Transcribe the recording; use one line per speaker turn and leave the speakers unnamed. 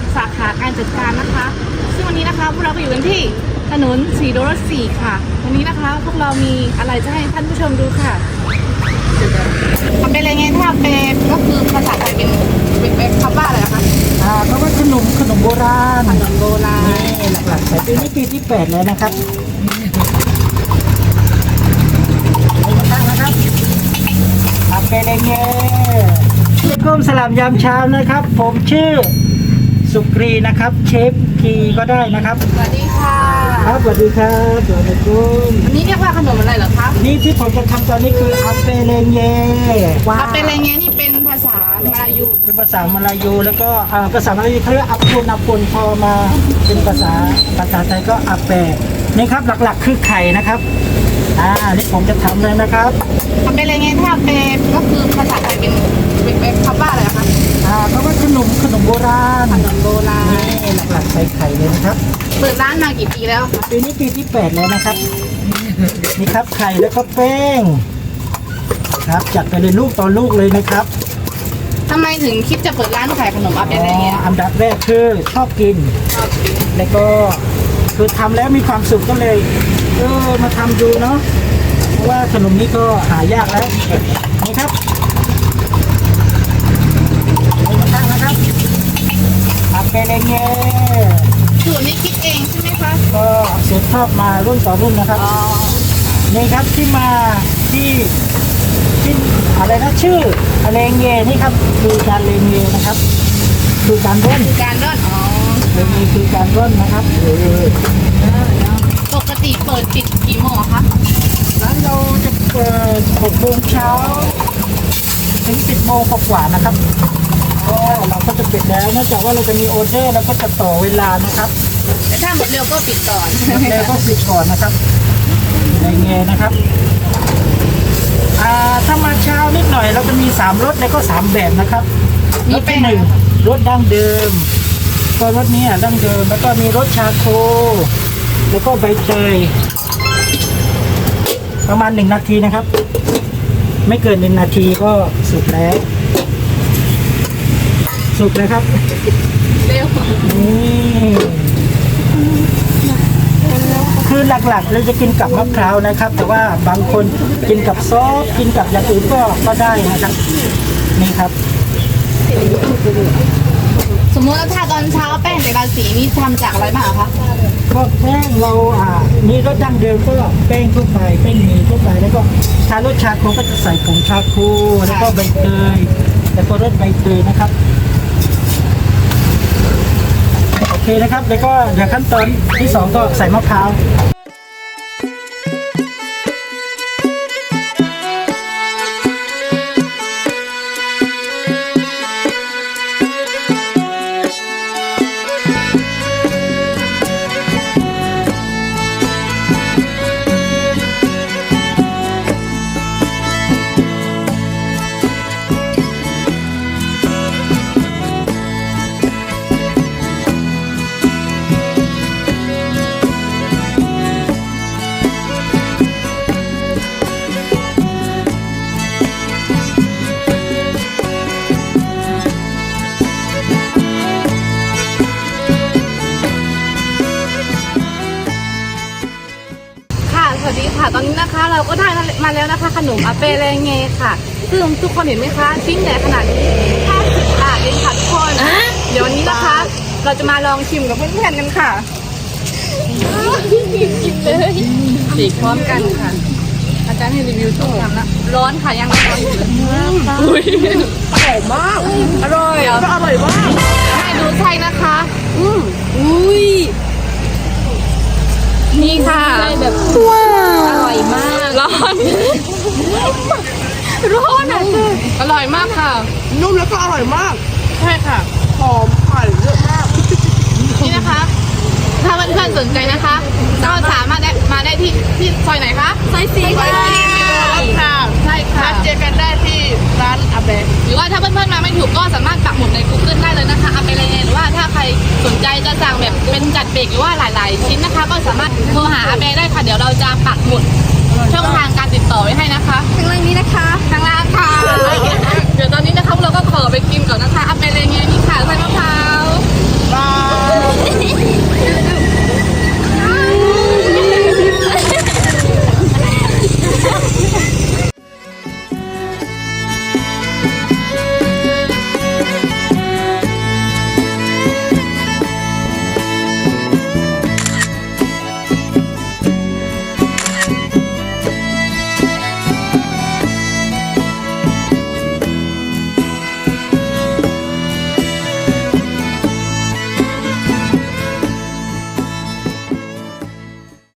สาขาการจัดการนะคะซึ่งวันนี้นะคะพวกเราก็อยู่กันที่ถนนสีโดรสีค่ะวันนี้นะคะพวกเรามีอะไรจะให้ท่านผู้ชมดูค่ะทำเป็นอะไรไงถ้าเป็นก็คือภาษาไทยเป็นคำว่าอะไรคะ
เพราะว่าขนมโบราณ
ขนมโบราณ
นี่หลักๆแต่ปีนี้ปีที่8แล้วนะครับนะครับอาเปเรเง่ก้มสลามยามเช้านะครับผมชื่อสุกรีนะครับเชฟกีก็ได้นะครับ
สวัสดีค่ะ
ครับสวัสดีครับสวัสดีคุณ
อันนี้เรียกว่าขนมอะไรเหรอคะ
นี่ที่ผมจะทำตอนนี้คืออาเปเรเง่ว้าว
อาเป็นอะไรไงนี่เป็นภาษามาลายู
เป็นภาษามลายูแล้วก็ภาษามลายูเขาเรียกอัปปุนพอมาเป็นภาษาไทยก็อาเปนี่ครับหลักๆคือไข่นะครับนี่ผมจะทำเลยนะครับ
ทำเป็นอะไรไงถ้าเป็นก็คือภาษาไทยเป็นคำว่าอะไรคะ
เพราะว่าขนมโบราณ
ขนมโบราณ
นี่หลักๆใส่ไข่เลยนะครับ
เปิดร้านมากี่ปีแล้วคะ
ปีนี้ปีที่8แล้วนะครับนี่ครับไข่แล้วก็แป้งครับจัดไปเลยลูกต่อลูกเลยนะครับ
ทำไมถึงคิดจะเปิดร้านขายขนมอาเป็นอะไรเงี้ย
อันดับแรกคือชอบกิน แล้วก็คือทำแล้วมีความสุขก็เลยมาทำดูเนาะเพราะว่าขนมนี้ก็หายากแล้วนี่ครับนี่มาตั้งนะครับอาเปเรเง่
สูตรนี้คิดเองใช่ไหมคะ
ก็สืบทอดมารุ่นต่อรุ่นนะครับ
อ๋อ
นี่ครับที่มาที่อะไรนะชื่อเลงเง่นี่ครับคือการเลงเง่นะครับคือการร่อน
คือการร่อนอ๋อ
เลงเง่คือการร่อนนะครับ
ปกติเปิดปิดกี่โมงคะ
ร้านเราจะเปิด6 โมงเช้าถึง10 โมงกว่าๆนะครับก็เราก็จะปิดแล้วเนื่องจากว่าเราจะมีออเดอร์แล้วก็จะต่อเวลานะครับ
แต่ถ้าหมดเร็วก็ปิดก่อน
แล้วก็ปิดก่อนนะครับเลงเง่นะครับถ้ามาเช้านิดหน่อยเราจะมี3 รสแล้วก็3 แบบนะครับรสที่1รสดั้งเดิมก็รสนี้ดั้งเดิมแล้วก็มีรสชาโคแล้วก็ใบเตยประมาณ1 นาทีนะครับไม่เกิน1 นาทีก็สุกแล้วสุกเลยครับ
เร็ว
นี่คือหลักๆเราจะกินกับมะพร้าวนะครับ แต่ว่าบางคนกินกับซอสกินกับอย่างอื่นก็ได้นะครับนี่ครับ
สมมติว่าถ้าตอนเช้าแป้งแต่ละสีนี่ทำจากอะไรบ้างคะ
ก็แป้งเรานี่รสดั้งเดิมก็แป้งทั่วไปแป้งหมี่ทั่วไปแล้วก็ถ้ารสชาโคก็จะใส่ผงชาโคแล้วก็ใบเตยแล้วก็รสใบเตยนะครับโอเคนะครับแล้วก็เดี๋ยวขั้นตอนที่2ก็ใส่มะพร้าว
สวัสดีค่ะตอนนี้นะคะเราก็ได้มาแล้วนะคะขนมอาเปเรเงค่ะซึ่งทุกคนเห็นไหมคะชิ้นใหญ่ขนาดนี้50 บาทเองค่ะทุกคนเดี๋ยววันนี้นะคะ เราจะมาลองชิมกับเพื่อนๆกันค่ะกินเลยฉีกพร้อมกันค่ะอาจารย์ให้รีวิวช่วงทำละร้อนค่ะยังร้อนอยู่เลยอุ้ยอร่อยมากอร่อยก็อร่อยมากให้ดูไส้นะคะอุ้ยนี่ค่ะแบบว้าวอร่อยมากร้อนอ่ะอร่อยมากค่ะนุ่มแล้วก็อร่อยมากใช่ค่ะหอมไข่เยอะมากนี่นะคะถ้าเพื่อนๆสนใจนะคะก็สามารถมาได้ที่ซอยไหนคะซอย4ค่ะใช่ค่ะเจอกันได้ที่ร้านอาเบะหรือว่าถ้าเพื่อนๆมาไม่ถูกก็สามารถปักหมุดใน Google ได้เลยนะคะอาเบะอะไรหรือว่าถ้าใครสนใจจะสั่งแบบเป็นจัดเบรกหรือว่าหลายๆชิ้นนะคะก็สามารถโทรหาอาเบะได้ค่ะเดี๋ยวเราจะปักหมุดช่องทางการติดต่อไว้ให้